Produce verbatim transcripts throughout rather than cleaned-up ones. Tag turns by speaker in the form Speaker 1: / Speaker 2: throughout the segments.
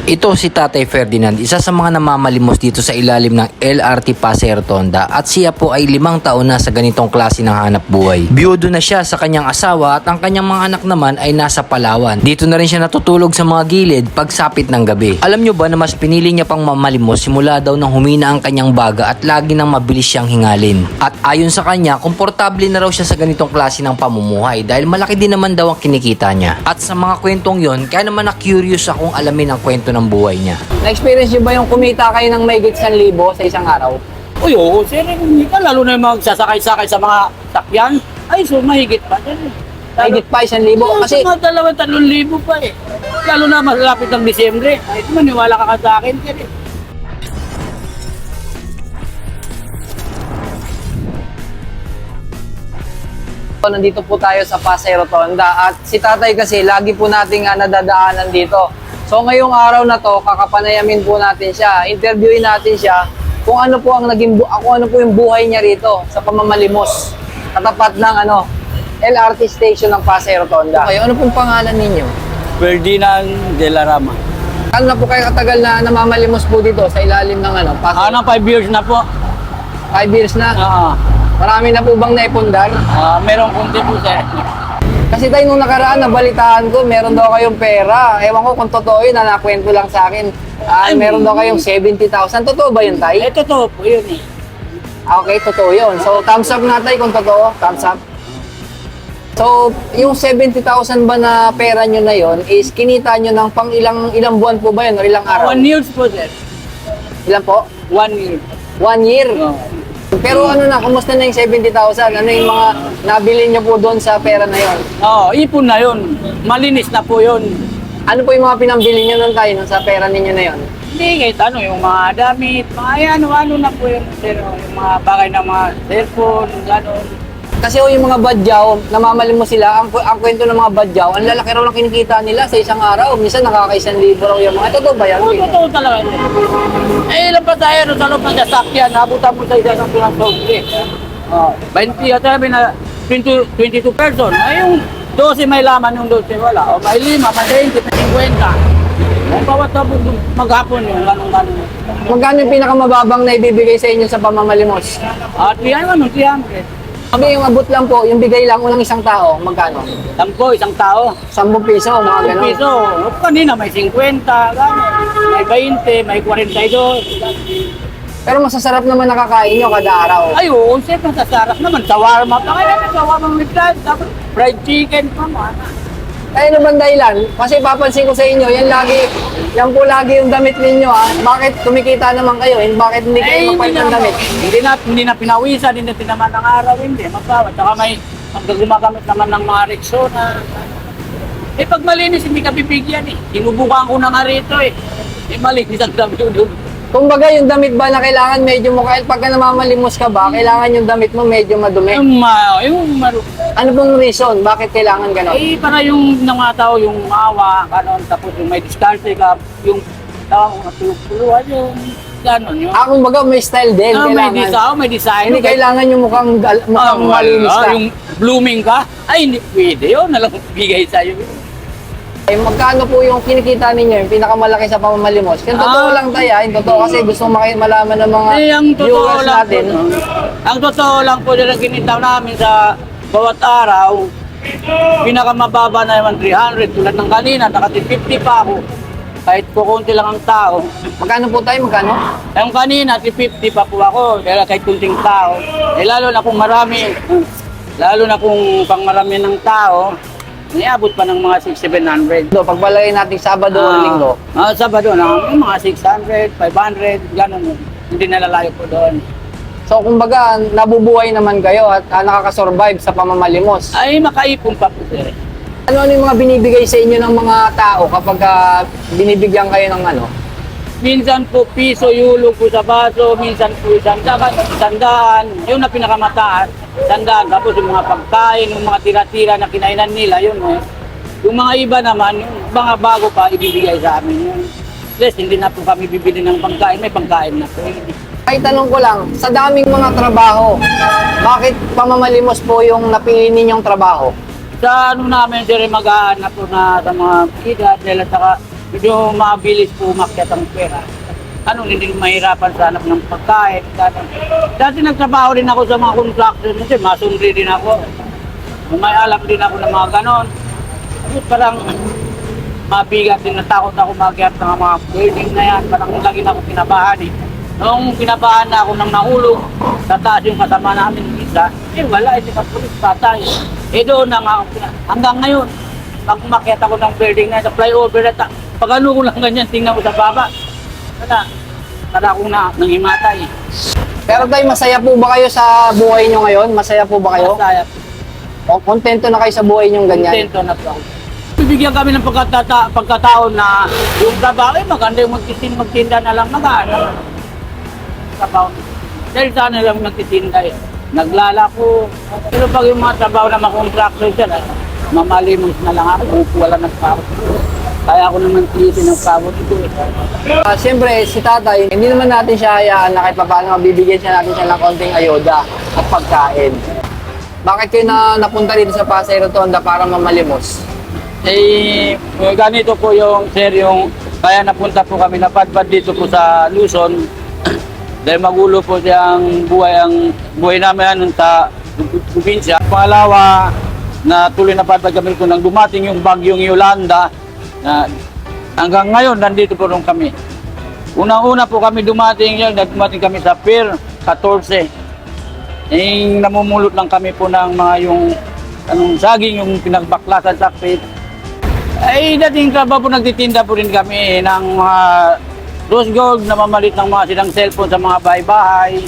Speaker 1: Ito si Tatay Ferdinand, isa sa mga namamalimos dito sa ilalim ng L R T Pasay Rotonda at siya po ay limang taon na sa ganitong klase ng hanap buhay. Biyudo na siya sa kanyang asawa at ang kanyang mga anak naman ay nasa Palawan. Dito na rin siya natutulog sa mga gilid pagsapit ng gabi. Alam nyo ba na mas pinili niya pang mamalimos simula daw nang humina ang kanyang baga at lagi nang mabilis siyang hingalin. At ayon sa kanya, komportable na raw siya sa ganitong klase ng pamumuhay dahil malaki din naman daw ang kinikita niya. At sa mga kwentong yon, kaya naman na-curious akong alamin ang kwento ng buhay niya.
Speaker 2: Na-experience nyo ba yung kumita kayo ng may one thousand sa isang araw?
Speaker 3: Uy, oo, sir, kumita, lalo na yung magsasakay-sakay sa mga sakyan. Ay, so mahigit pa. Sir.
Speaker 2: Mahigit pa one thousand?
Speaker 3: Oo,
Speaker 2: Kasi
Speaker 3: sa mga dalawang talong libo pa eh. Lalo na malapit ng Disyembre. Ay, maniwala ka ka sa akin, sir. Eh.
Speaker 2: nandito po tayo sa Pasay Rotonda at si tatay kasi lagi po nating uh, nadadaanan dito. So ngayong araw na to, kakapanayamin po natin siya. Interviewin natin siya kung ano po ang naging bu- kung ano po yung buhay niya rito sa pamamalimos. Katapat ng ano, L R T station ng Pasay Rotonda. Okay, ano pong pangalan ninyo?
Speaker 3: Ferdinand de la Rama.
Speaker 2: Ano na po kayo katagal na namamalimos po dito sa ilalim ng ano, Pasay?
Speaker 3: Ano, five years na po.
Speaker 2: Five years na.
Speaker 3: Oo.
Speaker 2: Marami na po bang naipundar?
Speaker 3: Ah, merong kunti po, sir.
Speaker 2: Kasi tayo nung nakaraan, nabalitaan ko, meron daw kayong pera. Ewan ko kung totoo yun, na nakwento lang sa akin. Ah,
Speaker 3: Ay,
Speaker 2: meron daw kayong seventy thousand. Totoo ba yun, tay?
Speaker 3: Eh, totoo po yun eh.
Speaker 2: Ah, okay, totoo yun. So, thumbs up nga tay kung totoo. Thumbs up. So, yung seventy thousand ba na pera nyo na yun is kinita nyo ng pang ilang ilang buwan po ba yun o ilang araw?
Speaker 3: One years po, sir.
Speaker 2: Ilan po?
Speaker 3: One year.
Speaker 2: One year?
Speaker 3: Oo.
Speaker 2: Pero ano na, kumusta na yung seventy thousand? Ano yung mga nabili nyo po doon sa pera na yun?
Speaker 3: Oo, ipon na yun. Malinis na po yun.
Speaker 2: Ano po yung mga pinambili nyo nun tayo sa pera ninyo na yun?
Speaker 3: Hindi, kahit ano, yung mga damit, mga ano-ano na po yun. Pero yung mga bagay ng mga cellphone, gano'n.
Speaker 2: Kasi oh, yung mga badyaw, namamalimos sila, ang, ang kwento ng mga badyaw, ang lalaki raw ng kinikita nila sa isang araw. Minsan nakakaisang libo raw yung mga. Totoo ba yan?
Speaker 3: Oo, totoo talaga. Eh, ilan pa tayo no, sa loob ng sasakyan, nabutan mo sa isa ng pinang sobre. Oh, twenty at sabi na twenty, twenty-two person. Ay, yung twelve may laman, yung twelve wala. O may lima, may twenty, may fifty. Ang bawat tapos maghapon yung ganun-ganun.
Speaker 2: Magkano yung pinakamababang na ibibigay sa inyo sa pamamalimos?
Speaker 3: At yan, ano, three hundred.
Speaker 2: Sabi yung abot lang po, yung bigay lang unang isang tao, magkano?
Speaker 3: Sampo, isang tao.
Speaker 2: Sampung piso, mga
Speaker 3: Isang
Speaker 2: ganon.
Speaker 3: piso. O, kanina may fifty, gano'n. May twenty, may forty-two.
Speaker 2: Pero masasarap naman nakakain nyo kada araw.
Speaker 3: Ay, oo, siyempre masasarap naman. Shawarma pa kaya na, shawarma with that. Tapos fried chicken pa man.
Speaker 2: Kaya ano bang dahilan? Kasi papansin ko sa inyo, yan lagi, yan po lagi yung damit ninyo ha. Bakit kumikita naman kayo? And bakit hindi kayo magpalit ng damit?
Speaker 3: Hindi na, hindi na pinawisan, hindi na tinaman ng araw, hindi. Magpawat. Saka may pag gumagamit naman ng mga Rexona. Eh pag malinis, hindi ka bibigyan eh. Sinubukan ko na nga rito eh. Eh malinis ang dami doon.
Speaker 2: Kumbaga yung damit ba na kailangan medyo mo, kahit pagka namamalimos ka ba, kailangan yung damit mo medyo madumi?
Speaker 3: Yung, ma, yung maru.
Speaker 2: Ano pong reason? Bakit kailangan ganon?
Speaker 3: Eh para yung mga tao, yung maawa, kanon, tapos yung may diskarte ka, yung tao, natulog-tuluan, yung ganon. Yung,
Speaker 2: Ah, kumbaga may style din,
Speaker 3: ah, may
Speaker 2: kailangan.
Speaker 3: design, may design.
Speaker 2: Hindi kailangan yung mukhang, gal-
Speaker 3: Ah,
Speaker 2: mukhang malinis
Speaker 3: wala.
Speaker 2: ka.
Speaker 3: Yung blooming ka, ay hindi pwede yun, nalang bigay sa'yo.
Speaker 2: Eh, magkano po yung kinikita ninyo, yung pinakamalaki sa pamamalimos? Yung totoo
Speaker 3: Ah.
Speaker 2: lang tayo, yung totoo kasi gusto maki- malaman ng mga
Speaker 3: Eh, ang totoo
Speaker 2: viewers
Speaker 3: lang
Speaker 2: natin.
Speaker 3: po, ang totoo lang po na ginitaw namin sa bawat araw, pinakamababa na naman three hundred, tulad ng kanina, nakati fifty pa ako. Kahit kukunti lang ang tao.
Speaker 2: Magkano po tayo, magkano?
Speaker 3: Yung kanina, fifty pa po ako, kaya kahit kunting tao. Eh, lalo na kung marami, lalo na kung pang marami ng tao, niabot pa ng mga six seven hundred.
Speaker 2: Do, pagbalagay natin Sabado o Linggo.
Speaker 3: Ah, Sabado na, yung mga six hundred, five hundred, gano'n. Hindi nalalayo po doon.
Speaker 2: So, kumbaga, nabubuhay naman kayo at ah, nakakasurvive sa pamamalimos.
Speaker 3: Ay, makaipon pa po sir.
Speaker 2: Ano ano yung mga binibigay sa inyo ng mga tao kapag ah, binibigyan kayo ng ano?
Speaker 3: Minsan po piso, yulo po sa baso, minsan po sandaan, sandaan, yun na pinakamataas, sandaan. Tapos yung mga pagkain, yung mga tira-tira na kinainan nila, yun eh. Yung mga iba naman, yung mga bago pa, ibibigay sa amin yun. Plus, hindi na po kami bibili ng pagkain, may pagkain na po.
Speaker 2: Ay, tanong ko lang, sa daming mga trabaho, bakit pamamalimos po yung napili ninyong trabaho?
Speaker 3: Sa ano namin, sir, mag-aanap po na sa mga edad, dahil at saka medyo mabilis po umakyat ang pera. Ano, hindi mahirapan sa hanap ng pagkain. Dati, dati nagtrabaho rin ako sa mga construction kasi masundri din ako. May alam din ako ng mga ganon. Kasi parang mabigat din, natakot ako magyat ng mga building na yan. Parang lagi na ako kinabahan eh. Noong kinabahan na ako ng nahulog, tataas yung kasama namin isa, eh wala, ito sa pulis, patay. Eh doon na nga, ako pina- hanggang ngayon, pag umakyat ako ng building na sa flyover na, ta- pag ano ko lang ganyan, tingnan ko sa baba, wala, para akong na, nangimatay.
Speaker 2: Pero tay, masaya po ba kayo sa buhay nyo ngayon? Masaya po ba kayo?
Speaker 3: Masaya,
Speaker 2: O kontento na kayo sa buhay nyo ganyan?
Speaker 3: kontento na po ako. Bibigyan kami ng pagkatata, pagkataon na yung trabaho, eh maganda yung magtitin, magtinda na lang mag-ano. Trabaho. Dahil sana lang magtitinda eh. Naglalako. Pero pag yung mga trabaho na makontraction dyan, eh, mamalimos na lang ako, wala nagpapot. Kaya ako naman tilitin ng pabot ito eh.
Speaker 2: Ah, Siyempre, si tatay, hindi naman natin siya hayaan na kahit paano mabibigyan siya natin siya ng konting ayuda at pagkain. Bakit kayo na napunta dito sa Pasay Rotonda para mamalimos?
Speaker 3: Eh, ganito po yung sir, yung kaya napunta po kami, napadpad dito po sa Luzon. Dahil magulo po siyang buhay, ang buhay namin yan sa probinsya. Pangalawa, na tuloy na padpad kami kung nang dumating yung bagyong Yolanda, na hanggang ngayon nandito po rin kami. Unang-una po kami dumating yan, dumating kami sa Pier fourteen. Eh, namumulot lang kami po ng mga yung anong saging, yung pinagbaklasan sa pit. Ay, dating trabaho po nagtitinda po rin kami ng mga rose gold na mamalit ng mga silang cellphone sa mga bahay-bahay.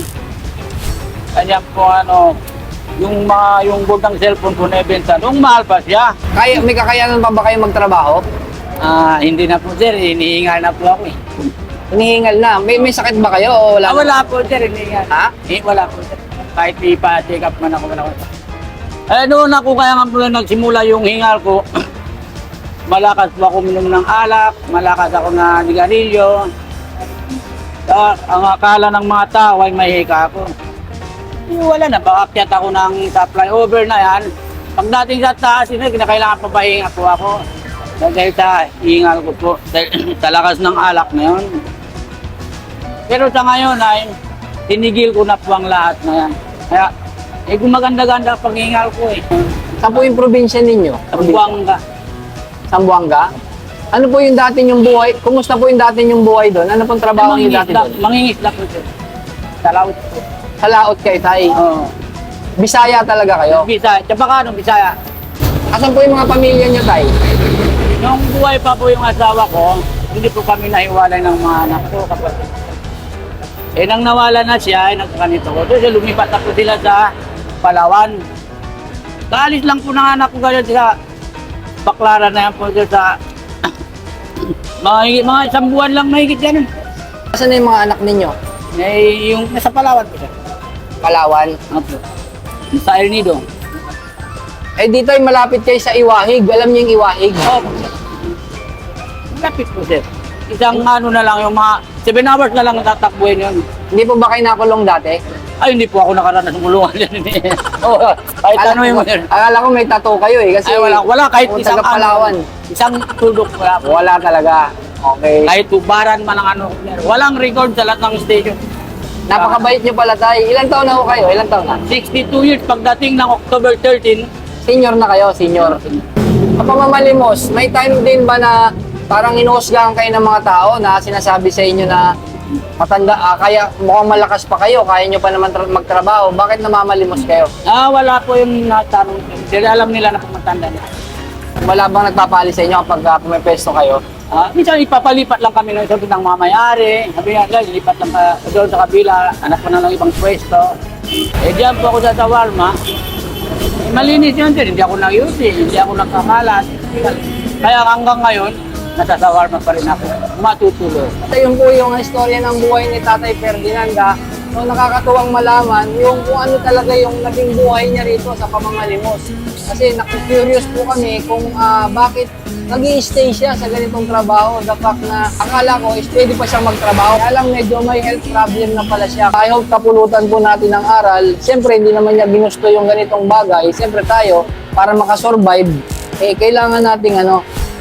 Speaker 3: Kanya po ano, yung mga yung gold ng cellphone po na ibenta, nung mahal pa siya.
Speaker 2: Kaya, may kakayanan pa ba kayo magtrabaho?
Speaker 3: Ah, hindi na po sir, hinihingal na po ako eh.
Speaker 2: Hinihingal na. May, may sakit ba kayo o wala?
Speaker 3: Ah, wala po sir, hinihingal.
Speaker 2: Ha?
Speaker 3: Eh, wala po sir. Kahit ipa-check up man ako, wala ko. Eh, doon ako kaya nga po na nagsimula yung hingal ko. Malakas po ako minom ng alak, malakas ako na nigarilyo. Uh, ang akala ng mga tao ay may hika ako. Eh, wala na, bakakyat ako ng sa flyover na yan. Pagdating sa taas, yun, kinakailangan pa pahinga po ako. Dahil sa hingal ko po, dahil sa lakas ng alak na yun. Pero sa ngayon ay, tinigil ko na po ang lahat na yan. Kaya, eh gumaganda-ganda pag hingal ko eh.
Speaker 2: Saan po yung probinsya ninyo?
Speaker 3: Buwang ka.
Speaker 2: Sambuanga? Ano po yung dati yung buhay? Kumusta po yung dati yung buhay doon? Ano pong trabaho niyo dati doon?
Speaker 3: Mangingisda po sir. Sa laut po.
Speaker 2: Sa laot kayo, tay.
Speaker 3: Oo.
Speaker 2: Bisaya talaga kayo?
Speaker 3: Bisaya. Tsaka ka nung Bisaya.
Speaker 2: Asan po yung mga pamilya niyo, tay?
Speaker 3: Nung buhay pa po yung asawa ko, hindi po kami nahiwalay ng mga anak ko kapatid. Eh nang nawala na siya, ay nagkakanito ko. So lumipat na po sila sa Palawan. Kaalis lang po ng anak ko ganyan sa Baklaran na yan po sir sa mga, mga isang buwan lang mahigit yan.
Speaker 2: Asan na yung mga anak ninyo?
Speaker 3: Eh, yung nasa Palawan po sir.
Speaker 2: Palawan?
Speaker 3: Opo. Sa El Nido.
Speaker 2: Eh dito ay malapit kayo sa Iwahig. Alam niyo yung Iwahig?
Speaker 3: Opo. Lapit po sir. Isang ano na lang, yung mga seven hours na lang tatakbuhin yun.
Speaker 2: Hindi po ba kayo nakulong dati?
Speaker 3: Ay, hindi po ako nakaranas ng ulungan yan. Oo, kahit ano yung
Speaker 2: ko, akala ko may tattoo kayo eh. Kasi
Speaker 3: Ay, wala, wala kahit
Speaker 2: kung
Speaker 3: isang
Speaker 2: taga Palawan.
Speaker 3: ano, isang tulok wala po.
Speaker 2: Wala talaga. Okay.
Speaker 3: Kahit tubaran man ang ano. Walang record sa lahat ng station.
Speaker 2: Napakabait niyo pala, tay. Ilang taon na ho kayo? Ilang taon na?
Speaker 3: sixty-two years pagdating ng October thirteen.
Speaker 2: Senior na kayo, senior. Kapamamalimos, may time din ba na parang inuusgahan kayo ng mga tao na sinasabi sa inyo na matanda, ah, kaya mukhang malakas pa kayo, kaya nyo pa naman tra- magtrabaho, bakit namamalimos kayo?
Speaker 3: Ah, wala po yung natanong. Dahil alam nila na pumatanda na.
Speaker 2: Wala bang nagpapali sa inyo kapag uh, pumipesto kayo?
Speaker 3: Ah, minsan ipapalipat lang kami ng sabi ng mamayari. Sabi nga, guys, lipat lang ka doon sa kabila, anak ko na lang ibang pwesto. Eh, diyan po ako sa Tawarma. Eh, malinis yun din, hindi ako nag-iuti, hindi ako nagkakalat. Kaya hanggang ngayon, nasa Tawarma pa rin ako, matutuloy.
Speaker 2: Ito yung po yung istorya ng buhay ni Tatay Ferdinand. ah. So, nakakatuwang malaman yung kung ano talaga yung naging buhay niya rito sa pamamalimos. Kasi naku-curious po kami kung ah, bakit nag-i-stay siya sa ganitong trabaho. The fact na akala ko is pwede pa siyang magtrabaho. Kaya lang medyo may health problem na pala siya. I hope kapulutan po natin ng aral. Siyempre hindi naman niya ginusto yung ganitong bagay. Siyempre tayo, para makasurvive, eh kailangan nating ano,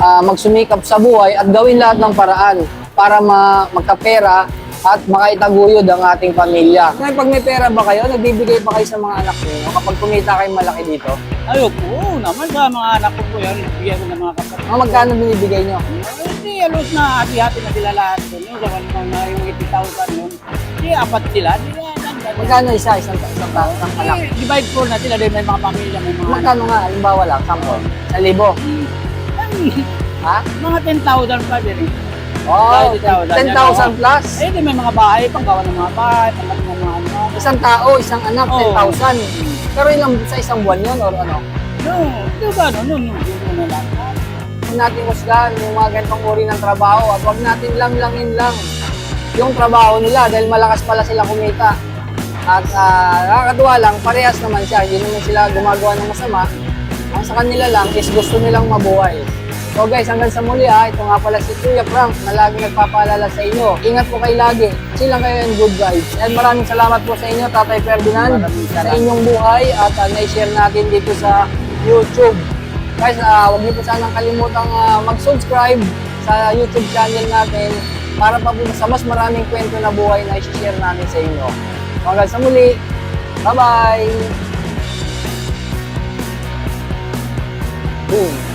Speaker 2: ah, magsumikap sa buhay at gawin lahat ng paraan para ma magkapera at makaitaguyod ang ating pamilya. Ngayon, pag may pera ba kayo, nagbibigay pa kayo sa mga anak niyo kapag kumita kayo malaki dito?
Speaker 3: Ayoko, oo naman sa mga anak ko po yan, bigyan ko ng mga kapatid.
Speaker 2: Mga magkano binibigay nyo?
Speaker 3: Hindi, alos na hati-hati na sila lahat doon. Yung gawan mga yung eighty thousand yun. Hindi, apat sila. Hindi, yan, yan, yan.
Speaker 2: Magkano isa? Isang, isang, ta- isang anak?
Speaker 3: Eh, divide po na sila dahil may mga pamilya, may mga
Speaker 2: Magkano nga? Halimbawa lang, sample. Sa libo.
Speaker 3: anak.
Speaker 2: Ha?
Speaker 3: Mga ten thousand pa din eh.
Speaker 2: Oh,
Speaker 3: ten thousand.
Speaker 2: ten thousand plus.
Speaker 3: Eh, di may mga bahay, panggawa ng mga bahay, panggawa ng mga ano.
Speaker 2: Isang tao, isang anak,
Speaker 3: Oo.
Speaker 2: ten thousand. Pero ilang sa isang buwan yun or ano?
Speaker 3: No, di ba, no, no, no, no, no, lang.
Speaker 2: Huwag natin husgahan yung mga ganitong uri ng trabaho at huwag natin lang-langin lang yung trabaho nila dahil malakas pala sila kumita. At uh, nakakatuwa lang, parehas naman siya. Hindi naman sila gumagawa ng masama. Ang sa kanila lang is gusto nilang mabuhay. So guys, hanggang sa muli ha, ito nga pala si Kuya Frank na lagi nagpapaalala sa inyo. Ingat po kayo lagi. Silang kayo and good vibes. And maraming salamat po sa inyo, Tatay Ferdinand, sa inyong buhay at uh, na-share natin dito sa YouTube. Guys, uh, huwag niyo po sanang kalimutang uh, mag-subscribe sa YouTube channel natin para pa po sa mas maraming kwento na buhay na i-share namin sa inyo. Hanggang sa muli. Bye-bye! Boom!